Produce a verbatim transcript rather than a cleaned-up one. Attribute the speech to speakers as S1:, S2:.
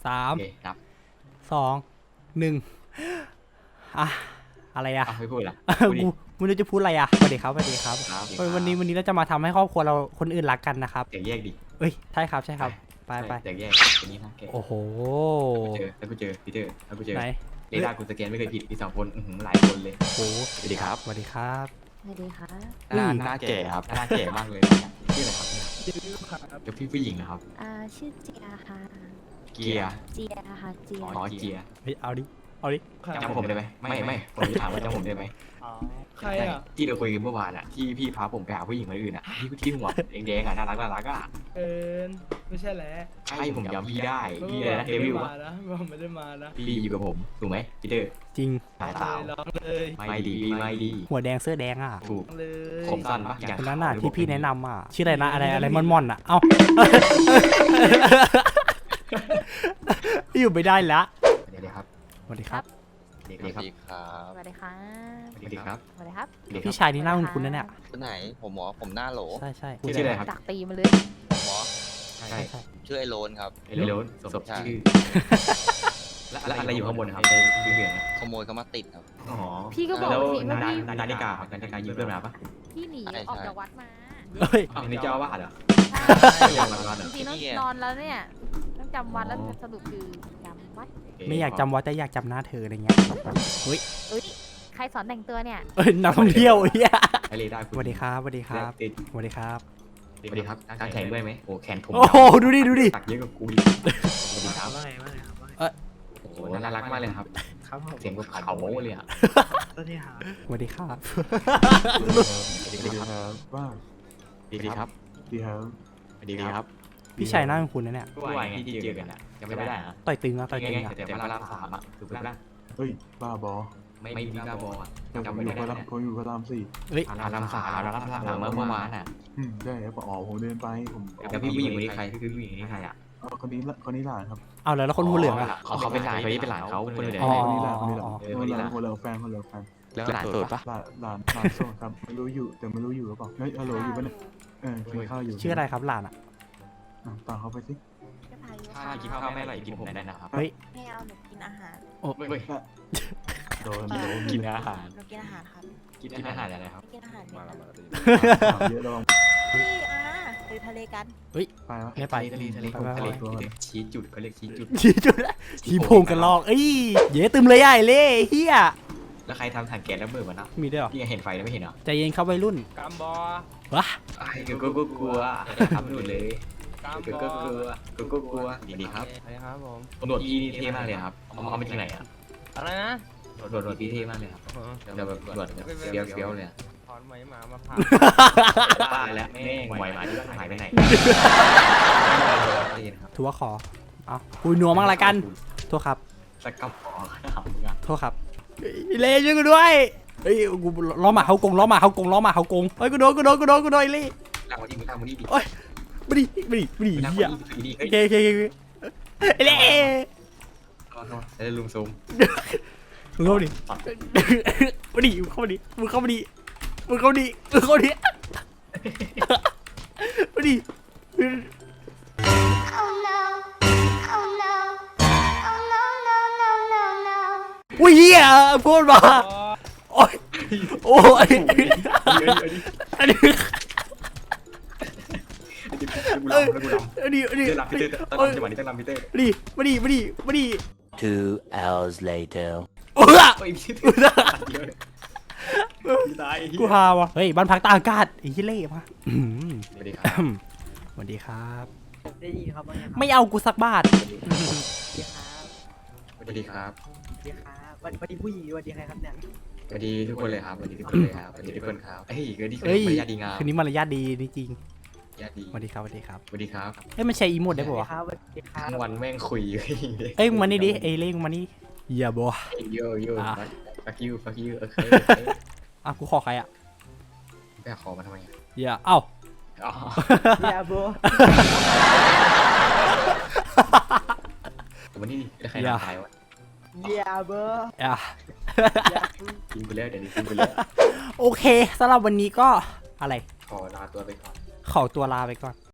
S1: สาม
S2: โอเคนับ
S1: สองหนึ่งอะอะไรอะ
S2: อ้าวไม่พูดละ
S1: กูไม่รู้จะพูดอะไรอะสวัสดีครับสวัสดีครับ
S2: ครับ
S1: วันนี้วันนี้เราจะมาทำให้ครอบครัวเราคนอื่นรักกันนะครับ
S2: แตกแยกดิ
S1: เอ้ยใช่ครับใช่ครับไปไป
S2: แตกแยกอันนี้นะแก
S1: โอ้โห
S2: เจอแล้วกูเจอพีเตอร์แล้วกูเจอ
S1: ไหน
S2: เรดาร์กูสแกนไม่เคยผิดมีสองคนอื้อหือหลายคนเลย
S1: โอ้โห
S2: สวัสดีครับ
S1: สวัสดีครับ
S3: สวัสดีค่ะ
S2: หน้า
S1: อุ้ย
S2: หน้าแก่ครับหน้าแก่มากเลยชื่ออะไรครับเนี่ยเดี๋ยวพี่ผู้หญิงนะครับ
S3: อ่าชื่อเจียค่ะ
S2: เกียร์
S3: เจียค่ะเจีย
S2: อ๋อเกียร์
S1: เฮ้ยเอาดิเอาดิ
S2: จำผมได้ไหมไม่ไม่ผมจะถามว่าจำผมได้ไหม
S4: ใครอ่ะ
S2: ที่เราคุยกันเมื่อวานอ่ะที่พี่พาผมไปหาผู้หญิงคนอื่นอ่ะที่ที่หัวแดงๆอ่ะน่ารักน่ารักอ่ะ
S4: เอินไม่ใช่แหละ
S2: ใช่ผมจำพี่ได้
S4: เมื่
S2: พี่
S4: อ
S2: อะไร
S4: วาน
S2: นะเด
S4: ไม่
S2: วิ
S4: ได้
S2: ล
S4: มา
S2: ปะ
S4: นะเมื่อวานไม่ได้มานะ
S2: พี่อยู่กับผมถูกไหมพีเตอร์
S1: จริง
S2: สายสาว
S4: เลยร้องเลย
S2: ไม่ดีพี่ไม่ดี
S1: หัวแดงเสื้อแดงอ่ะ
S2: ถูก
S4: เลย
S2: ผมสั้นปะอย่าง
S1: คนนั้นน่ะที่พี่แนะนำอ่ะชื่ออะไรนะอะไรอะไรมอนมอนอ่ะเอ้า อยู่ไม่ได้ละ
S2: เดี๋ยวครับ
S1: สวัสดีครับ
S2: เดี๋ยว
S5: สวัส
S2: ครับ
S5: ดีครับ
S3: สวัสดีค่ะ
S2: สวัสดีครับ
S3: สวัสดีครับ
S2: เดี๋ยว
S1: พี่ชายนี่หน้าคุ้นๆนะเนี่ย
S5: คนไหน ผมหมอ ผมหน้าโหล
S1: ใช่ใช่
S2: ชื่ออะไรครับ
S3: จากตีมาเลย
S5: ผมหมอ
S2: ใช่
S1: ใช่ใช่
S5: ชื่อไอโลนครับ
S2: เรโรนสมชื่อแล้วอะไรอยู่ข้างบนครับในเหลือง
S5: ขโมยเขามาติดครับ
S2: อ๋อ
S3: พี่ก็บอก
S2: แล้ว
S3: สิว่า
S2: นา
S3: พี่
S2: นาฬิกาครับนาฬิกายืมเพื่อนมาปะ
S3: พี่หนี
S5: ใช่
S3: ออก
S5: ใช่
S3: จากวัดมา
S1: เฮ้ย
S2: อ้าวนี่เจ้าอาวาสเหรอ
S3: ใช่
S2: ไม่ยอมรับเหรอ
S3: จริงๆต้องนอนแล้วเนี่ยต้องจำวัดแล้วสรุปคือจำวัด
S1: ไม่อยากจำวัดแต่อยากจำหน้าเธออะไรเงี้ย
S3: เอ้ยใครสอนแต่งตัวเนี่ย
S1: เอ้ยนักท่องเที่ยวเฮีย
S2: ไอเรดาร์
S1: สวัสดีครับสวัสดีครับ
S2: ติด
S1: สวัสดีครับ
S2: สวัสดีครับการแข่งด้วยไหมโอ้แข่งผม
S1: โอ้โหดูดิดูดิ
S2: ตักเยอะกว่ากูดิสวัสดีครับ
S4: ว่าไงว่าไงครับว่าไง
S2: โอ้โหน่ารักมากเลยครับ
S4: ครับผม
S2: เสียงกับเขาเลยอ่ะ
S4: สวัสดีครับ
S1: สวัสดีครับ
S2: สวัสดีครับ
S6: ว่า
S2: สวัสดีครับ
S6: ดีครับ
S2: สวัสดีครับ
S1: พี่ชายหน้าคุ้นๆนะเนี่ย
S2: เมื่อวานไงที่เจอกันอ่ะยังไม่ได้อะ
S1: ต่อยตึงอะต่อย
S2: ไง
S1: ตึง
S2: ไง
S1: อะ
S2: แต่พระรามสามอ่ะคือพระราม
S6: เฮ้ย บ้าบอ
S2: ไม่ไม่มีกาบอลอ่ะ
S6: แต่ผ
S2: จำ
S6: ม
S2: ไม่
S6: อยู่
S2: ได้
S6: พระรามผมอยู่พระรามสี่
S1: เฮ้ย
S2: พระรามสามพระรามสามเมื่อเมื่อวานอ่ะ
S6: อืมได้ครับอ๋อผมเดินไปผม
S2: แล้วพี่ผู้หญิงคนนี้ใครคือผู้หญิงคนนี้ใครอ่ะ
S6: เอาคนนี้ละคนนี้หลานครับ
S1: เอาแล้วแล้วคนหัวเหลืองอะ
S2: เขาเขาเป็นหลานคนนี้เป็นหลานเขาคนเหลือง
S1: อ๋อ
S6: คนนี้หลานคนนี้หลาน
S2: เออ
S6: คนนี้หลานคนเหลือแฟนคนเหลือแฟน
S2: แล้วหลานโสดปะ
S6: หลานหลานหลานโสดครับไม่รู้อยู่แต่ไม่รู้อยู่หรือเปล่าเฮ้ยฮัลโหลอยู่ปะเนี่ยเออกินข้าวอยู่
S1: ชื่ออะไรครับหลานอะ
S6: อ่ะตามเขาไปสิ
S3: ก็พายุ
S2: ถ้ากินข้าวแม่อร่อยกินผมได้นะครับ
S1: เฮ้ย
S3: ไม่เอาหนูกินอาหาร
S1: โอ้
S2: เฮ้ย
S6: โดน
S3: เอ
S6: โด
S3: อ
S6: น
S2: กินอาหาร
S3: หนูกินอาหารครับ
S2: กินอาหารอะไรครับ
S3: ไม่กินอาหารเม็ดนะ
S6: ถามเยอะระวัง
S3: พี่อ่ะไปทะเลกัน
S6: ไปวะ
S1: ไม่ไป
S2: ทะเลทะเล
S1: ไปไป
S2: ทะเล
S6: ไปไป
S2: ชี้จุดเขาเรียกชี้จุด
S1: ชี้จุดละชี้โพงกันลอกเอ้ยเย้ตึมเลยใหญ่เล่เฮีย
S2: แล้วใครทำถังแก๊สระเบิดวะนะ
S1: มีด้วยเหรอ
S2: พี่เห็นไฟแล้วไม่เห็นเหรอ
S1: ใจเย็นครับวัยรุ่น
S4: กามบอ
S1: วะ
S2: ไอ้กูก็กลัวทำหนุนเลย
S4: กาม
S2: กู
S4: บ
S2: ก็
S4: อก
S2: ลัวกูก็กลัวดีครับ
S4: ใช่ครับผม
S2: ตำรวจพี่นี่เท่มากเลยครับเอาเอามาจากไหนอ่ะ
S4: อะไรนะ
S2: ตำรวจตำรวจพี่เท่มากเลยครับเดี๋ยวแบบตำรวจแบบเฟี้ยวเฟี้ยวเลยอะ
S4: ถอนไหมหมามาผ่า
S2: ตายแล้วแม่งไหวหมาที่หายไปไหนครับ
S1: ถือว่าขอเอาคุยนัวมั่งละกันโทษครับ
S2: สกัดคอถามมึงอ่ะ
S1: โทษครับเฮ้ยเล่ช่วยกูด้วยเฮ้ยกูล้อหมาเขากงล้อหมาเขากงล้อหมาเขากงเฮ้ยกูโดนกูโดนกูโดนกูโดนเล่
S2: นั่งวันนี้มึงนั่งวันนี้ดิ
S1: มาดิมาดิมาดิ
S2: นั่ง
S1: เฮีย
S2: วันนี้ดิ
S1: โอ
S2: เฮ้ย
S1: เคโอเคโอเคเล่
S2: แล้วลุงซูม
S1: มึงเข้ามาดิมาดิมึงเข้ามาดิมึงเข้ามาดิมึงเข้ามาดิมึงเข้ามาดิมาดิ
S7: Oh no, oh no, oh no, no, no, no, no.
S1: อุ้ยเฮียพูดมาโอ้ยโอ้ยอันนี้
S2: กูรำแล้วกูรำ
S1: อันนี้อันนี้
S2: เต้นรำพี่เต้ต้องรำจังหวะนี้ต้องรำพี่เต้
S1: มาดิมาดิมาดิมาดิ
S8: Two hours later.
S1: โอ้ย
S2: เฮ้ยพี่ตาย
S1: กูฮาวะเฮ้ยบ้านพักตากอากาศไอ้เหี้ยเล่มาอื้อหือ
S2: สวัสดีครับ
S1: สวัสดีครับ
S4: ได้ยินครับว่าไงครับ
S1: ไม่เอากูสักบาท
S4: สวัสดีครับ
S2: สวัสดีครับ
S4: สวัสดีครับสวัสดีผู้หญิงสวัสดีใครครับเนี่ย
S2: สวัสดีทุกคนเลยครับสวัสดีทุกคนเลยครับสวัสดีทุกคนครับเฮ้ยก็ดีคือ
S1: เฮ้ย
S2: มารยาทดีงาม
S1: คืนนี้มารยาทดีนี่จริง
S2: ญาติดี
S1: สวัสดีครับสวัสดีครับ
S2: สวัสดีครับ
S1: เอ้ยมันใช้อีโมดได้ปะวะ
S4: ครับสวัสดีครับ
S2: ทั้งวันแม่งคุย
S1: เอ้ยมึงมานี่ดิเอ้ยเล่งมานี่อย่าบอก
S2: โยโย่
S1: อ่ะ
S2: fuck you fuck you โอเค
S1: อ่ะกูขอใครอ่ะ
S2: ไปขอมาทำไม
S1: อย่าเอ้า
S2: อ๋อ
S4: ยาโบ
S2: วันนี้แล้วใครตายวะ
S4: ยาโบ
S1: อ่ะ
S2: กินไปแล้วเดี๋ยวนี้กินไปแล้ว
S1: โอเคสำหรับวันนี้ก็อะไร
S2: ขอลาตัวไปก่อน
S1: ขอตัวลาไปก่อน